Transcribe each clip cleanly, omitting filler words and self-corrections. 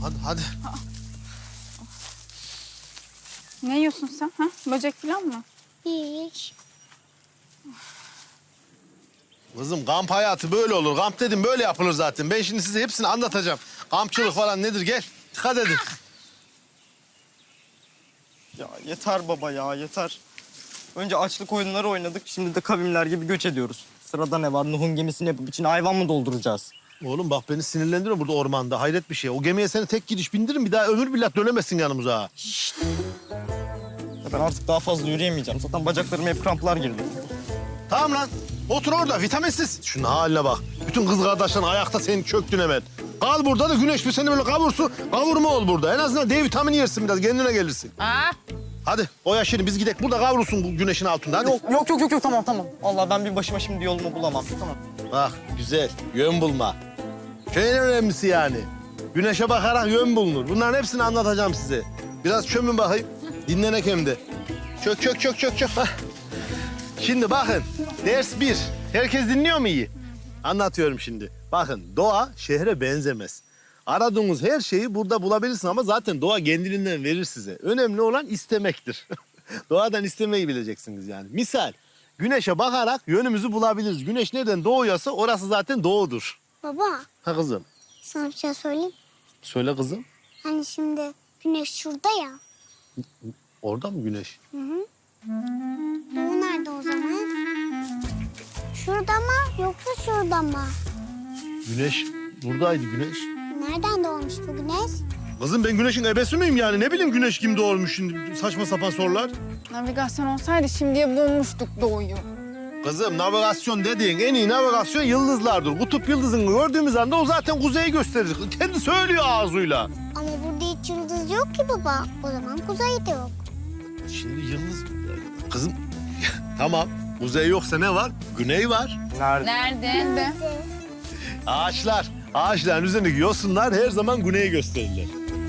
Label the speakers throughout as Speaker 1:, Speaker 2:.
Speaker 1: Hadi.
Speaker 2: Ne yiyorsun sen? Ha? Böcek falan mı?
Speaker 3: Hiç.
Speaker 1: Kızım kamp hayatı böyle olur. Kamp dedim böyle yapılır zaten. Ben şimdi size hepsini anlatacağım. Kampçılık falan nedir gel. Dikkat edin.
Speaker 4: Ya yeter baba ya yeter. Önce açlık oyunları oynadık. Şimdi de kavimler gibi göç ediyoruz. Sırada ne var? Nuh'un gemisini yapıp içine hayvan mı dolduracağız?
Speaker 1: Oğlum bak beni sinirlendiriyor burada ormanda. Hayret bir şey. O gemiye seni tek gidiş bindiririm. Bir daha ömür billah dönemezsin yanımıza ha.
Speaker 4: Ya ben artık daha fazla yürüyemeyeceğim. Zaten bacaklarıma hep kramplar girdi.
Speaker 1: Tamam lan. Otur orada vitaminsiz. Şunun haline bak. Bütün kız kardeşlerin ayakta seni çöktün hemen. Kal burada da güneş bir seni böyle kavursun. Kavurma ol burada. En azından D vitamini yersin biraz kendine gelirsin.
Speaker 5: Aa,
Speaker 1: Hadi o yaşını biz gidek burada kavrulsun bu güneşin altında hadi.
Speaker 4: Yok tamam. Allah ben bir başıma şimdi yolumu bulamam. Tamam.
Speaker 1: Bak güzel yön bulma. En önemlisi yani. Güneşe bakarak yön bulunur. Bunların hepsini anlatacağım size. Biraz çömün bakayım. Dinlenek hem de. Çök. Hah. Şimdi bakın ders 1. Herkes dinliyor mu iyi? Anlatıyorum şimdi. Bakın doğa şehre benzemez. Aradığınız her şeyi burada bulabilirsin ama zaten doğa kendiliğinden verir size. Önemli olan istemektir. Doğadan istemeyi bileceksiniz yani. Misal güneşe bakarak yönümüzü bulabiliriz. Güneş nereden doğuyorsa orası zaten doğudur.
Speaker 3: Baba,
Speaker 1: Ha kızım.
Speaker 3: sana bir şey söyleyeyim.
Speaker 1: Söyle kızım.
Speaker 3: Hani şimdi güneş şurada ya.
Speaker 1: Orada mı güneş?
Speaker 3: Doğu nerede o zaman? Şurada mı yoksa şurada mı?
Speaker 1: Güneş buradaydı güneş.
Speaker 3: Nereden doğmuş bu güneş?
Speaker 1: Kızım ben güneşin ebesi miyim yani? Ne bileyim güneş kim doğurmuş şimdi saçma sapan sorular.
Speaker 2: Navigasyon olsaydı şimdiye bulmuştuk doğuyu.
Speaker 1: Kızım navigasyon dediğin en iyi navigasyon yıldızlardır. Kutup yıldızını gördüğümüz anda o zaten kuzeyi gösterir. Kendi söylüyor ağzıyla.
Speaker 3: Ama burada hiç yıldız yok ki baba. O zaman kuzey de yok.
Speaker 1: Şimdi yıldız... Kızım tamam kuzey yoksa ne var? Güney var.
Speaker 4: Nerede?
Speaker 5: nerede?
Speaker 1: Ağaçlar. Ağaçların üzerindeki yosunlar her zaman güneyi gösterirler.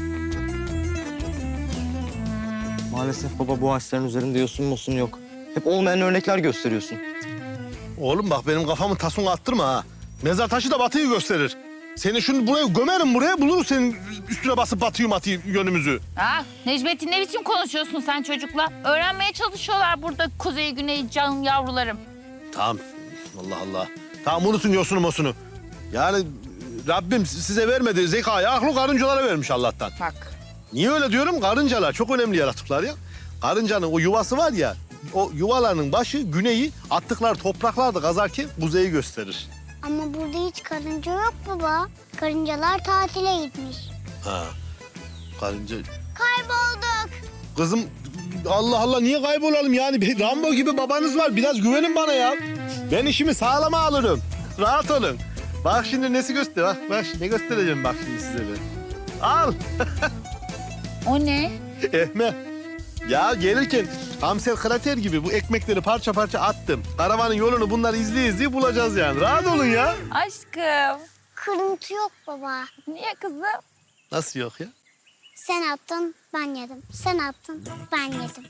Speaker 4: Maalesef baba bu ağaçların üzerinde yosun musun yok. Hep olmayan örnekler gösteriyorsun.
Speaker 1: Oğlum bak benim kafamı tasunu attırma ha. Mezar taşı da batıyı gösterir. Seni şunu buraya gömerim buraya buluruz senin üstüne basıp batıyı yönümüzü.
Speaker 5: Aa, Necmettin ne biçim konuşuyorsun sen çocukla? Öğrenmeye çalışıyorlar burada kuzey güney canım yavrularım.
Speaker 1: Tamam. Allah Allah. Tamam unutun yosunu mosunu. Yani Rabbim size vermedi zekayı, aklı karıncalara vermiş Allah'tan.
Speaker 5: Bak.
Speaker 1: Niye öyle diyorum? Karıncalar çok önemli yaratıklar ya. Karıncanın o yuvası var ya, o yuvalarının başı güneyi, attıkları topraklar da kazarken kuzeyi gösterir.
Speaker 3: Ama burada hiç karınca yok baba. Karıncalar tatile gitmiş.
Speaker 1: Ha. Karınca...
Speaker 3: Kaybolduk.
Speaker 1: Kızım Allah Allah niye kaybolalım yani? Bir Rambo gibi babanız var. Biraz güvenin bana ya. Ben işimi sağlama alırım. Rahat olun. Bak şimdi nesi göster. Bak ne göstereceğim bak şimdi size ben. Al.
Speaker 5: O ne?
Speaker 1: Ehme. Ya gelirken Amsel krater gibi bu ekmekleri parça parça attım. Karavanın yolunu bunları izleye bulacağız yani. Rahat olun ya.
Speaker 5: Aşkım.
Speaker 3: Kırıntı yok baba.
Speaker 5: Niye kızım?
Speaker 1: Nasıl yok ya?
Speaker 3: Sen attın, ben yedim. Sen attın, ben yedim.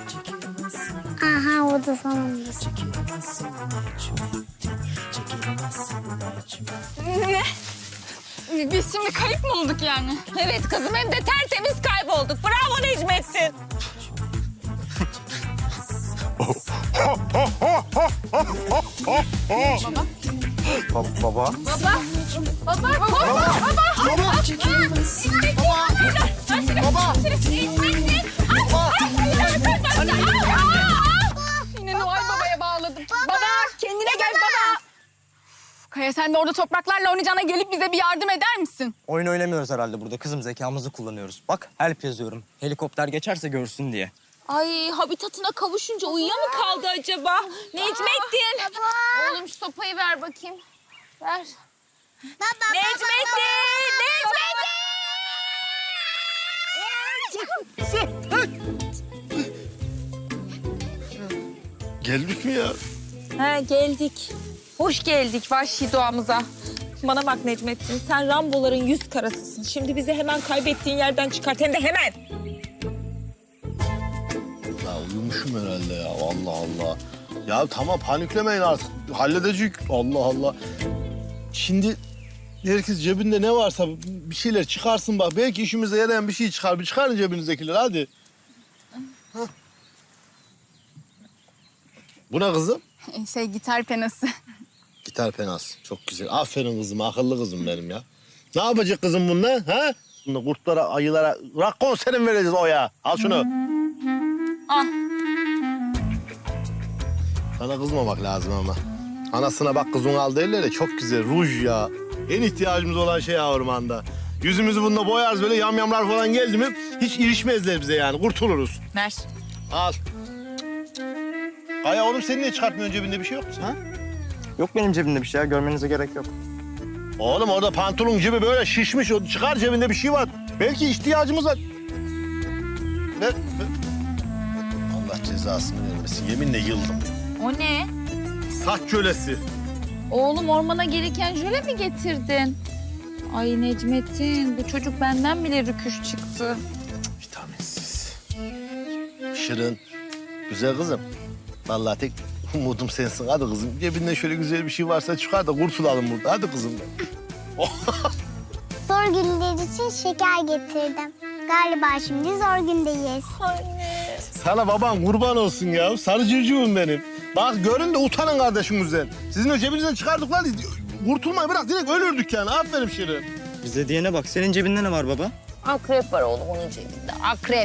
Speaker 3: Aha o da sonunda.
Speaker 2: Ne? Biz şimdi kayıp mı olduk yani?
Speaker 5: Evet kızım hem de tertemiz kaybolduk. Bravo Necmettin.
Speaker 4: Baba.
Speaker 2: Yine Noel Baba'ya bağladım. Baba kendine gel baba. Kaya sen de orada topraklarla oynayacağına gelip bize bir yardım eder misin?
Speaker 4: Oyun oynamıyoruz herhalde burada. Kızım zekamızı kullanıyoruz. Bak help yazıyorum. Helikopter geçerse görsün diye.
Speaker 5: Ay habitatına kavuşunca uyuya mı kaldı acaba? Necmettin. Oğlum şu sopayı ver bakayım. Ver. Necmettin!
Speaker 1: Geldik mi ya?
Speaker 6: He geldik. Hoş geldik vahşi doğamıza. Bana bak Necmettin, sen Ramboların 100 karasısın. Şimdi bizi hemen kaybettiğin yerden çıkart, hem de hemen.
Speaker 1: Ya uyumuşum herhalde ya. Allah Allah. Ya tamam paniklemeyin artık. Halledecek. Allah Allah. Şimdi Herkes cebinde ne varsa bir şeyler çıkarsın bak. Belki işimize yarayan bir şey çıkar. Bir çıkarın cebinizdekileri hadi. Hah. Bu ne kızım?
Speaker 2: Gitar penası.
Speaker 1: Gitar penası. Çok güzel. Aferin kızım, akıllı kızım benim ya. Ne yapacak kızım bununla? Ha? Bunu kurtlara, ayılara rock konseri mi vereceğiz o ya? Al şunu.
Speaker 6: Al.
Speaker 1: Sana kızmamak lazım ama. Anasına bak kızın al derler ya, çok güzel. Ruj ya. En ihtiyacımız olan şey ya ormanda. Yüzümüzü bununla boyarız böyle yamyamlar falan geldi mi hiç ilişmezler bize yani. Kurtuluruz.
Speaker 6: Ver.
Speaker 1: Al. Kaya oğlum sen niye çıkartmıyorsun cebinde bir şey yok mu? Ha?
Speaker 4: Yok benim cebimde bir şey ya. Görmenize gerek yok.
Speaker 1: Oğlum orada pantolon gibi böyle şişmiş. O çıkar cebinde bir şey var. Belki ihtiyacımız var. Ver. Allah cezasını vermesin. Yeminle yıldım.
Speaker 5: O ne?
Speaker 1: Saç kölesi.
Speaker 5: Oğlum ormana gereken jöle mi getirdin? Ay Necmettin, bu çocuk benden bile rüküş çıktı.
Speaker 1: Vitaminsiz. Şirin. Güzel kızım. Vallahi tek umudum sensin. Hadi kızım. Cebinde şöyle güzel bir şey varsa çıkar da kurtulalım burada. Hadi kızım.
Speaker 3: Zor günler için şeker getirdim. Galiba şimdi zor gündeyiz.
Speaker 1: Sana baban kurban olsun ya. Sarı civcivim benim. Bak görün de utanın kardeşimizden. Sizin o cebinizden çıkardıklar kurtulmayı bırak direkt ölürdük yani. Aferin Şirin.
Speaker 4: Bize diyene bak. Senin cebinde ne var baba?
Speaker 5: Akrep var oğlum onun cebinde, akrep.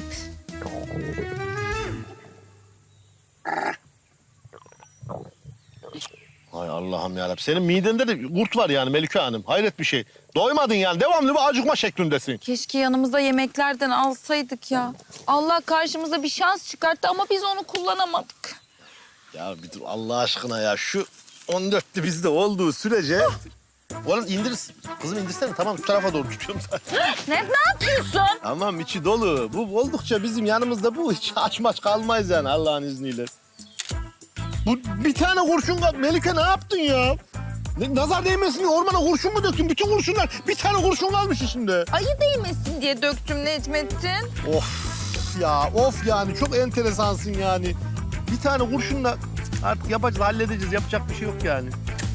Speaker 1: Ay Allah'ım yarabbim. Senin midende de kurt var yani Melike Hanım. Hayret bir şey. Doymadın yani. Devamlı bir acıkma şeklindesin.
Speaker 6: Keşke yanımıza yemeklerden alsaydık ya. Allah karşımıza bir şans çıkarttı ama biz onu kullanamadık.
Speaker 1: Ya bir dur Allah aşkına ya. Şu 14'lü bizde olduğu sürece... Oğlum indir. Kızım indirsene. Tamam şu tarafa doğru tutuyorum zaten.
Speaker 5: Ne yapıyorsun?
Speaker 1: Tamam içi dolu. Bu oldukça bizim yanımızda bu. Hiç aç maç kalmayız yani Allah'ın izniyle. Bu bir tane kurşun kaldı. Melike ne yaptın ya? Nazar değmesin diye ormana kurşun mu döktün? Bütün kurşunlar bir tane kurşun kalmış içinde.
Speaker 6: Ayı değmesin diye döktüm Necmettin.
Speaker 1: Of ya of yani çok enteresansın yani. Bir tane kurşunla artık yapacağız halledeceğiz yapacak bir şey yok yani.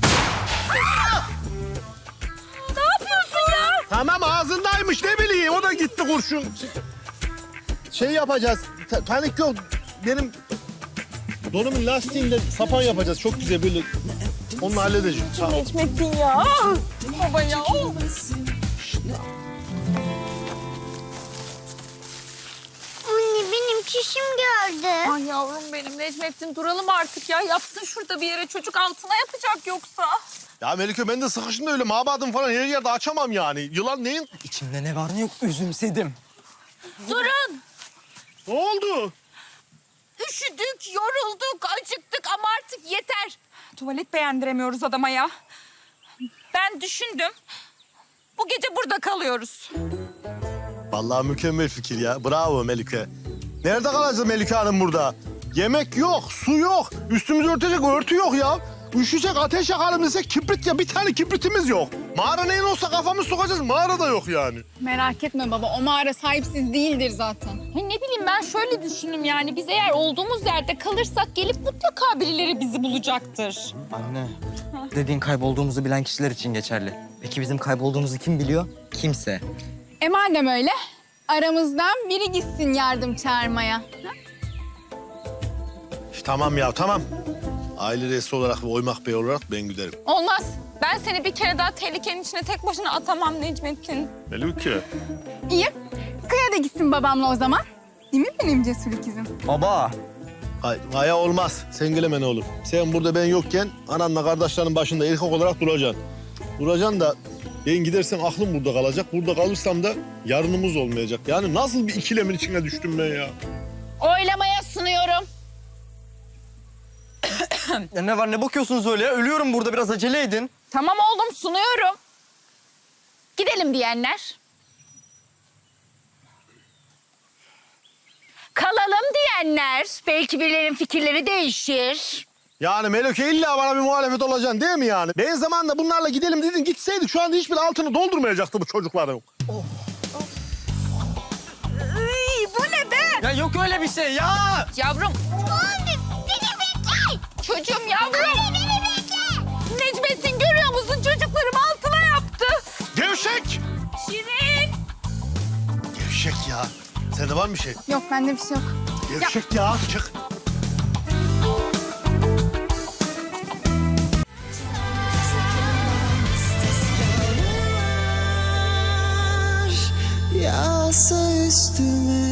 Speaker 6: Ne yapıyorsun ya?
Speaker 1: Tamam ağzındaymış ne bileyim o da gitti kurşun. Şey yapacağız panik yok benim donumun lastiğinde sapan yapacağız çok güzel böyle onu halledeceğiz. Tamam.
Speaker 6: Necmettin ya. Baba ya.
Speaker 3: Anne benim çişim gördü.
Speaker 6: Ay yavrum benim Necmettin duralım artık ya. Yapsın şurada bir yere çocuk altına yapacak yoksa.
Speaker 1: Ya Melike ben de sıkıştım da öyle mabadım falan her yerde açamam yani. Yılan neyin?
Speaker 4: İçimde ne var ne yok üzümsedim.
Speaker 5: Durun.
Speaker 1: Ne oldu?
Speaker 5: Üşüdük, yorulduk, acıktık ama artık yeter.
Speaker 6: Tuvalet beğendiremiyoruz adama ya. Ben düşündüm. Bu gece burada kalıyoruz.
Speaker 1: Vallahi mükemmel fikir ya. Bravo Melike. Nerede kalacağız Melike Hanım burada? Yemek yok, su yok. Üstümüzü örtecek örtü yok ya. Üşüyecek ateş yakalım desek kibrit ya. Bir tane kibritimiz yok. Mağara neyin olsa kafamız sokacağız. Mağara da yok yani.
Speaker 2: Merak etme baba, o mağara sahipsiz değildir zaten.
Speaker 5: Ay ne bileyim ben şöyle düşündüm yani biz eğer olduğumuz yerde kalırsak gelip mutlaka birileri bizi bulacaktır.
Speaker 4: Anne. Dediğin kaybolduğumuzu bilen kişiler için geçerli. Peki bizim kaybolduğumuzu kim biliyor? Kimse.
Speaker 2: Madem öyle, aramızdan biri gitsin yardım çağırmaya.
Speaker 1: Tamam ya tamam. Aile reisi olarak ve Oymak Bey olarak ben giderim.
Speaker 6: Olmaz. Ben seni bir kere daha tehlikenin içine tek başına atamam Necmettin.
Speaker 1: Melike.
Speaker 2: İyi, Kaya da gitsin babamla o zaman. Değil mi benim cesur ikizim?
Speaker 4: Baba.
Speaker 1: Kaya olmaz. Sen geleme ne olur. Sen burada ben yokken ananla kardeşlerin başında erkek olarak duracaksın. Duracaksın da ben gidersem aklım burada kalacak. Burada kalırsam da yarınımız olmayacak. Yani nasıl bir ikilemin içine düştüm ben ya?
Speaker 5: Oylamaya sunuyorum.
Speaker 4: Ya ne var ne bakıyorsunuz öyle ya? Ölüyorum burada biraz acele edin.
Speaker 5: Tamam oğlum sunuyorum. Gidelim diyenler. Kalalım diyenler. Belki birilerinin fikirleri değişir.
Speaker 1: Yani Melike illa bana bir muhalefet olacaksın değil mi yani? Ben zamanında bunlarla gidelim dedin gitseydik şu anda hiçbir altını doldurmayacaktı bu çocukların.
Speaker 6: Bu ne be?
Speaker 4: Ya yok öyle bir şey ya.
Speaker 5: Yavrum.
Speaker 3: Anne beni bekle.
Speaker 5: Çocuğum yavrum.
Speaker 3: Anne beni bekle.
Speaker 5: Necmettin görüyor musun? Çocuklarım altına yaptı.
Speaker 1: Gevşek!
Speaker 5: Şirin.
Speaker 1: Gevşek ya. Sende var mı bir şey?
Speaker 2: Yok bende bir şey yok.
Speaker 1: Gevşek ya. Çık.
Speaker 7: Yağsa üstüme